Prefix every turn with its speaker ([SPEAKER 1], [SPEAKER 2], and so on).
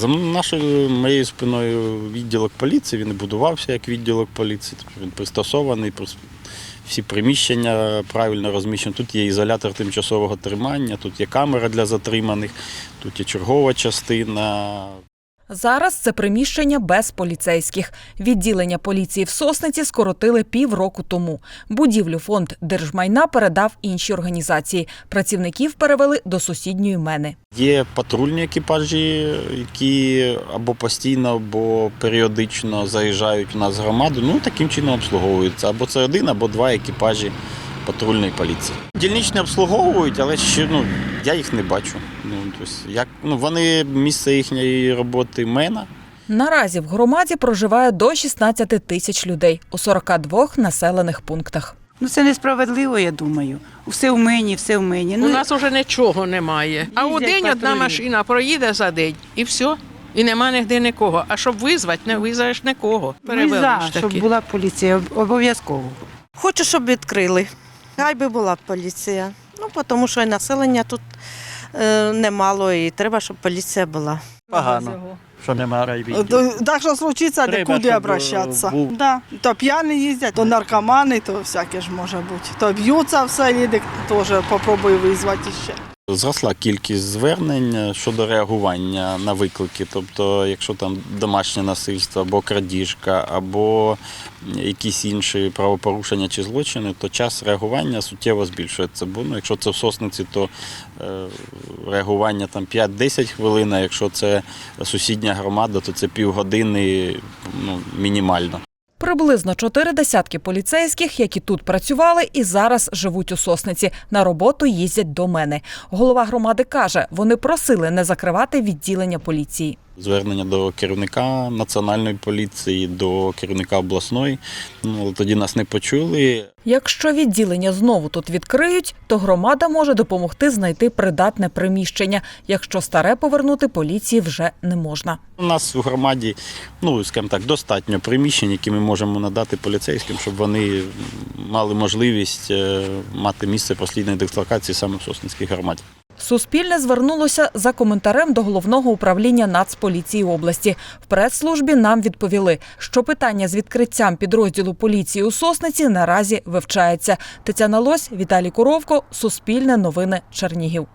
[SPEAKER 1] За моєю спиною відділок поліції, він і будувався як відділок поліції, він пристосований, всі приміщення правильно розміщені. Тут є ізолятор тимчасового тримання, тут є камера для затриманих, тут є чергова частина.
[SPEAKER 2] Зараз це приміщення без поліцейських. Відділення поліції в Сосниці скоротили півроку тому. Будівлю фонд держмайна передав іншій організації. Працівників перевели до сусідньої Мени.
[SPEAKER 1] Є патрульні екіпажі, які або постійно, або періодично заїжджають у нас в громаду. Таким чином обслуговуються. Або це один, або два екіпажі патрульної поліції. Дільничні обслуговують, але ще я їх не бачу. Вони місце їхньої роботи Мена.
[SPEAKER 2] Наразі в громаді проживає до 16 тисяч людей у 42 населених пунктах.
[SPEAKER 3] Це несправедливо, я думаю. Все в Мені, все в Мені.
[SPEAKER 4] У нас вже нічого немає. А у день одна машина проїде за день і все. І нема нігде нікого. А щоб визвати, не визовеш нікого.
[SPEAKER 3] Щоб була поліція, обов'язково.
[SPEAKER 5] Хочу, щоб відкрили. Хай би була поліція. Тому що і населення тут немало, і треба, щоб поліція була.
[SPEAKER 6] Погано, що немає райвідділу.
[SPEAKER 7] Так що случиться, куди обращатися. То п'яні їздять, то наркомани, то всяке ж може бути. То б'ються в селі, теж попробую визвати ще.
[SPEAKER 1] Зросла кількість звернень щодо реагування на виклики. Тобто, якщо там домашнє насильство, або крадіжка, або якісь інші правопорушення чи злочини, то час реагування суттєво збільшується. Бо якщо це в Сосниці, то реагування там 5-10 хвилин, а якщо це сусідня громада, то це півгодини мінімально.
[SPEAKER 2] Приблизно 4 десятки поліцейських, які тут працювали і зараз живуть у Сосниці. На роботу їздять до Мени. Голова громади каже, вони просили не закривати відділення поліції.
[SPEAKER 1] Звернення до керівника Національної поліції, до керівника обласної, але тоді нас не почули.
[SPEAKER 2] Якщо відділення знову тут відкриють, то громада може допомогти знайти придатне приміщення. Якщо старе повернути поліції вже не можна.
[SPEAKER 1] У нас у громаді, скажімо так, достатньо приміщень, які ми можемо надати поліцейським, щоб вони мали можливість мати місце постійної дислокації саме в Сосницькій громаді.
[SPEAKER 2] Суспільне звернулося за коментарем до Головного управління Нацполіції області. В прес-службі нам відповіли, що питання з відкриттям підрозділу поліції у Сосниці наразі вивчається. Тетяна Лось, Віталій Коровко, Суспільне новини, Чернігів.